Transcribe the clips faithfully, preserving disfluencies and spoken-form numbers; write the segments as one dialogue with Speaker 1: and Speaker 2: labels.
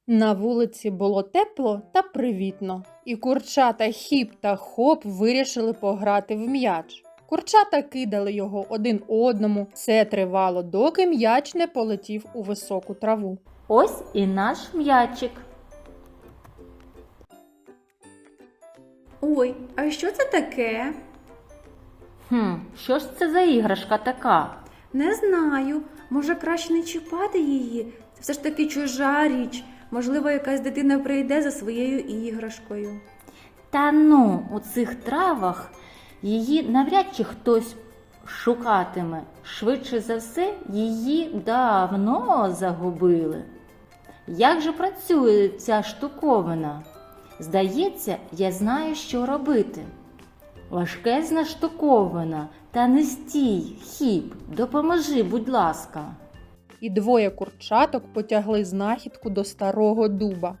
Speaker 1: На вулиці було тепло та привітно, і курчата Хіп та Хоп вирішили пограти в м'яч. Курчата кидали його один одному. Це тривало, доки м'яч не полетів у високу траву.
Speaker 2: Ось і наш м'ячик.
Speaker 3: Ой, а що це таке?
Speaker 2: Хм, що ж це за іграшка така?
Speaker 3: Не знаю. Може, краще не чіпати її? Це все ж таки чужа річ. Можливо, якась дитина прийде за своєю іграшкою.
Speaker 2: Та ну, у цих травах її навряд чи хтось шукатиме. Швидше за все, її давно загубили. Як же працює ця штуковина? Здається, я знаю, що робити. Важкезна штуковина, та не стій, Хіп, допоможи, будь ласка.
Speaker 1: І двоє курчаток потягли знахідку до старого дуба.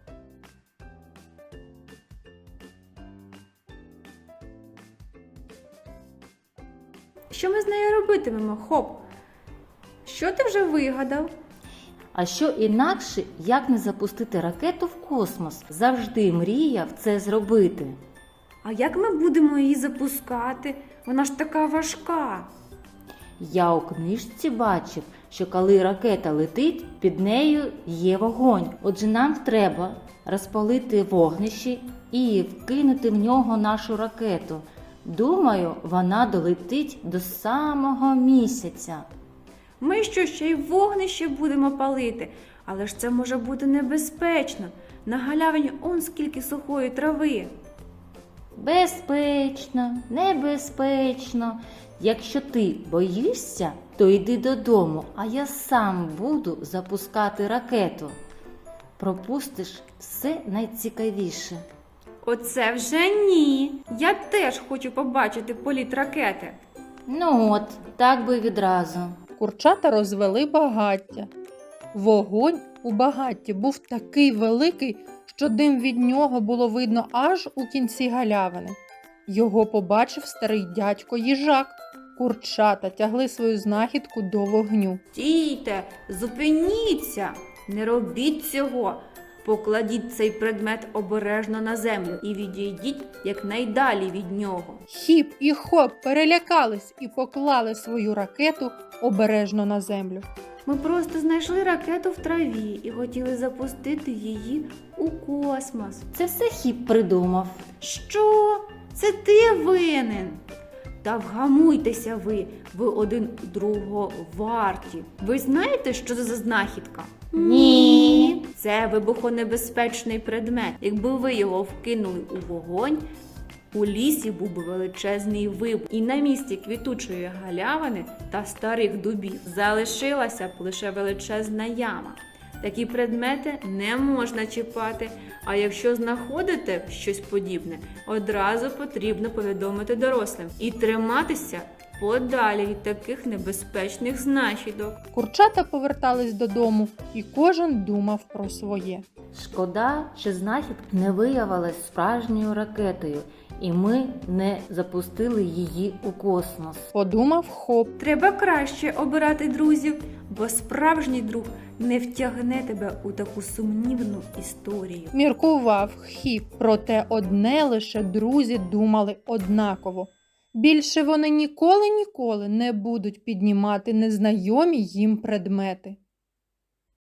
Speaker 3: Що ми з нею робитимемо, Хоп? Що ти вже вигадав?
Speaker 2: А що інакше, як не запустити ракету в космос? Завжди мріяв це зробити.
Speaker 3: А як ми будемо її запускати? Вона ж така важка.
Speaker 2: Я у книжці бачив, що коли ракета летить, під нею є вогонь. Отже, нам треба розпалити вогнище і вкинути в нього нашу ракету. Думаю, вона долетить до самого місяця.
Speaker 3: Ми що, ще й вогнище будемо палити? Але ж це може бути небезпечно. На галявині он скільки сухої трави.
Speaker 2: Безпечно, небезпечно. Якщо ти боїшся, то йди додому, а я сам буду запускати ракету. Пропустиш все найцікавіше.
Speaker 3: Оце вже ні. Я теж хочу побачити політ ракети.
Speaker 2: Ну от, так би відразу.
Speaker 1: Курчата розвели багаття. Вогонь у багатті був такий великий, що дим від нього було видно аж у кінці галявини. Його побачив старий дядько їжак. Курчата тягли свою знахідку до вогню.
Speaker 3: Стійте, зупиніться, не робіть цього. Покладіть цей предмет обережно на землю і відійдіть якнайдалі від нього.
Speaker 1: Хіп і Хоп перелякались і поклали свою ракету обережно на землю.
Speaker 3: Ми просто знайшли ракету в траві і хотіли запустити її у космос.
Speaker 2: Це все Хіп придумав.
Speaker 3: Що? Це ти винен? Та вгамуйтеся ви, ви один другого варті. Ви знаєте, що це за знахідка?
Speaker 2: Ні.
Speaker 3: Це вибухонебезпечний предмет. Якби ви його вкинули у вогонь, у лісі був би величезний вибух. І на місці квітучої галявини та старих дубів залишилася б лише величезна яма. Такі предмети не можна чіпати, а якщо знаходите щось подібне, одразу потрібно повідомити дорослим і триматися подалі від таких небезпечних знахідок.
Speaker 1: Курчата повертались додому, і кожен думав про своє.
Speaker 2: Шкода, що знахідка не виявилась справжньою ракетою, і ми не запустили її у космос.
Speaker 1: Подумав Хоп.
Speaker 3: Треба краще обирати друзів, бо справжній друг не втягне тебе у таку сумнівну історію.
Speaker 1: Міркував Хіп, проте одне лише друзі думали однаково. Більше вони ніколи-ніколи не будуть піднімати незнайомі їм предмети.